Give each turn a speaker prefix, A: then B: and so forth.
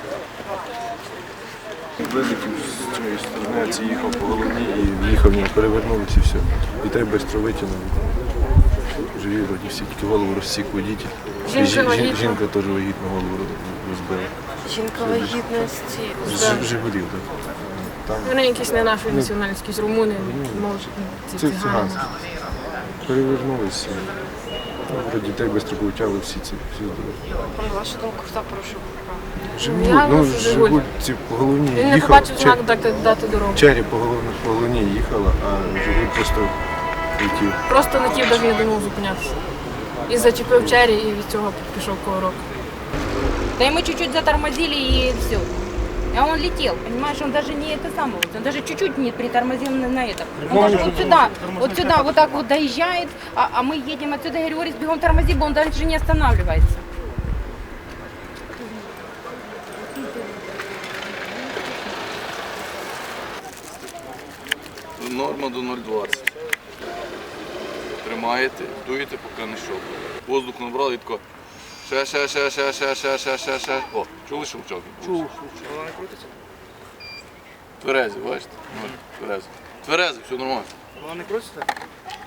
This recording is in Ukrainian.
A: Вилетів з цієї сторони, а ці їхав по головні і в'їхав, нього перевернулися і все. Дітей швидко витягнули. Живі вроді всі, тільки голову розсік водитель. Жінка теж вагітну голову розбила.
B: Жінка вагітності.
A: Жигулів, так.
B: Вони якісь не нашої національності, якісь румуни, може,
A: Це циганські. Перевернулися. Про дітей швидко повтягли всі ці здоров'я.
B: На вашу думку, хто порушив
A: Жигуль, Жигуль ці по головні
B: Він не
A: їхав.
B: побачив знак дати дорогу.
A: Чері по головні їхала, а Жигуль просто летів.
B: Просто летів, навіть не думав зупинятися. І зачепив чері, і від цього пішов коворок.
C: Да и мы чуть-чуть затормозили и все. А он летел, понимаешь, он даже не это самое, он даже чуть-чуть не притормозил на это. Он даже вот сюда, вот так вот доезжает, а мы едем отсюда, я говорю, Орис, бегом тормози, он дальше не останавливается.
D: Норма до 0,20. Тримаєте, дуєте, поки не щелкає. Воздух набрали і тако. Ще. О, чули щелчок? Чув. Вона не крутиться? Тверезі, бачите? Тверезі. Тверезі, все нормально.
E: Вона не крутиться?